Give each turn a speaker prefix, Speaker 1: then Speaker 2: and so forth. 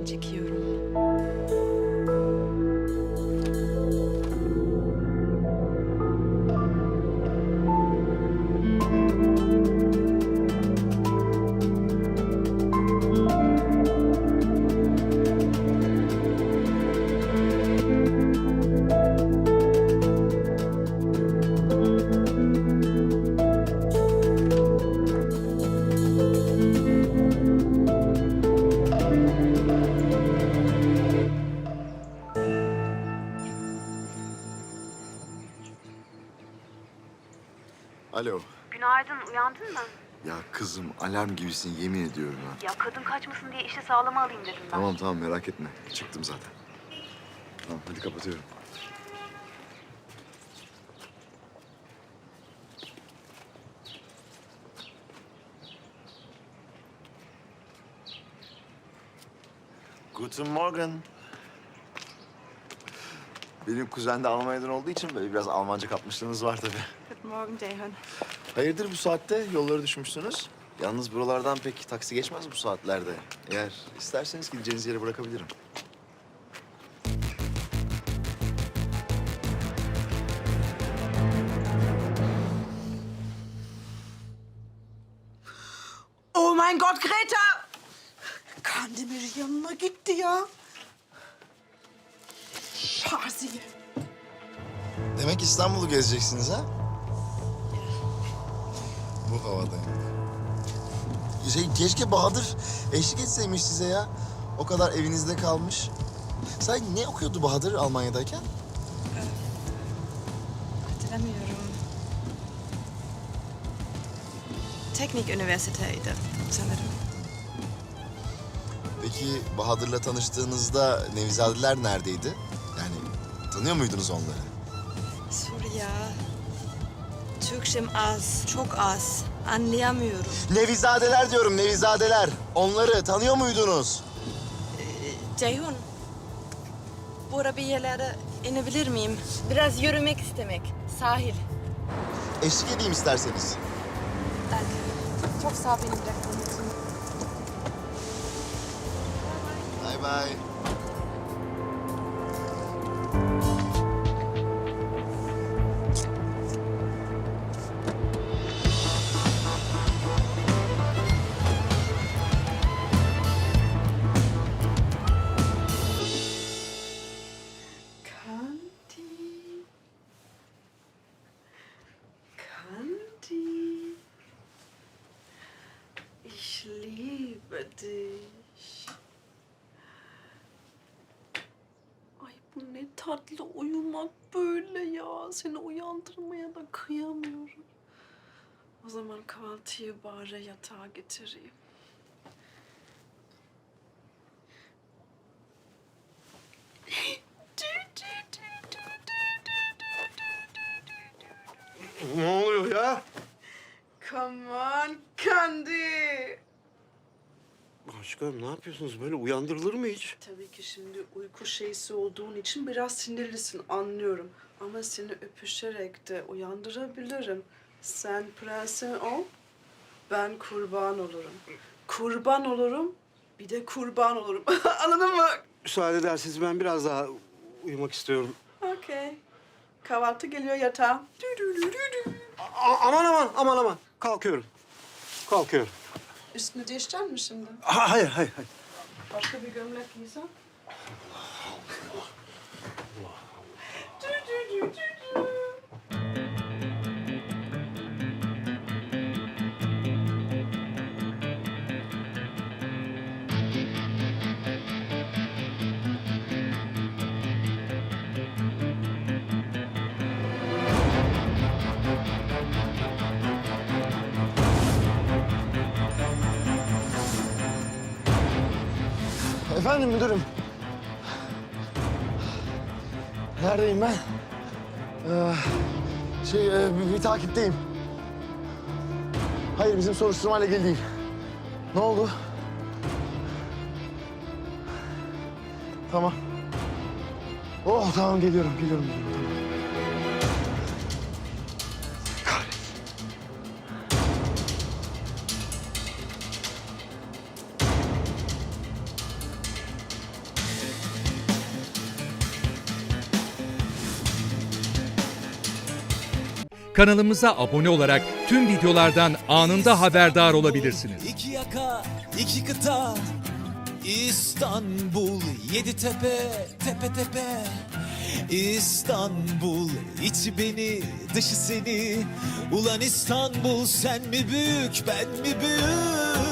Speaker 1: çekiyorum.
Speaker 2: Alo.
Speaker 3: Günaydın, uyandın mı?
Speaker 2: Ya kızım alarm gibisin yemin ediyorum ha.
Speaker 3: Ya kadın kaçmasın diye işi sağlama alayım dedim ben.
Speaker 2: Tamam merak etme. Çıktım zaten. Tamam hadi kapatıyorum. Guten Morgen. Benim kuzen de Almanya'dan olduğu için böyle biraz Almanca kapmışlığınız var tabii.
Speaker 1: Guten Morgen Ceyhun.
Speaker 2: Hayırdır bu saatte yolları düşmüşsünüz? Yalnız buralardan pek taksi geçmez bu saatlerde. Eğer isterseniz gideceğiniz yere bırakabilirim.
Speaker 4: Oh mein Gott, Greta! Kandemir yanına gitti ya. Şaziye.
Speaker 2: Demek İstanbul'u gezeceksiniz ha? Bu havada yani. Keşke Bahadır eşlik etseymiş size ya. O kadar evinizde kalmış. Sen ne okuyordu Bahadır Almanya'dayken?
Speaker 1: Hatırlamıyorum. Teknik üniversiteydi sanırım.
Speaker 2: Peki Bahadır'la tanıştığınızda Nevizadeler neredeydi? Yani tanıyor muydunuz onları?
Speaker 1: Suriye. Türkçem az, çok az. Anlayamıyorum.
Speaker 2: Nevizadeler diyorum, Nevizadeler. Onları tanıyor muydunuz?
Speaker 1: Ceyhun, burada bir yerlere inebilir miyim? Biraz yürümek istemek. Sahil.
Speaker 2: Eşlik edeyim isterseniz.
Speaker 1: Danke. Çok sağ ol beni bıraktığın için.
Speaker 2: Bay bay.
Speaker 4: Kandi. Kandi. Ich liebe dich. Ay bu ne tatlı uyumak böyle ya. Seni uyandırmaya da kıyamıyorum. O zaman kahvaltıyı bari yatağa getireyim.
Speaker 5: Ne oluyor ya?
Speaker 4: Come on Kandi.
Speaker 5: Aşkım ne yapıyorsunuz? Böyle uyandırılır mı hiç?
Speaker 4: Tabii ki şimdi uyku şeysi olduğun için biraz sinirlisin anlıyorum. Ama seni öpüşerek de uyandırabilirim. Sen prensin ol, ben kurban olurum. Kurban olurum, bir de kurban olurum. Anladın mı?
Speaker 5: Müsaade ederseniz ben biraz daha uyumak istiyorum.
Speaker 4: Okey. Kahvaltı geliyor yatağa.
Speaker 5: Aman. Kalkıyorum. Kalkıyorum.
Speaker 4: Üstünü değiştirecek misin şimdi?
Speaker 5: Hayır.
Speaker 4: Başka bir gömlek giysen?
Speaker 2: Efendim müdürüm. Neredeyim ben? Bir takipteyim. Hayır, bizim soruşturmayla ilgili değil. Ne oldu? Tamam. Oh, tamam geliyorum. Tamam. Kahretsin.
Speaker 6: Kanalımıza abone olarak tüm videolardan anında haberdar olabilirsiniz.
Speaker 7: İki yaka, iki kıta, İstanbul, yedi tepe, tepe tepe. İstanbul, içi beni, dışı seni. Ulan İstanbul, sen mi büyük, ben mi büyük?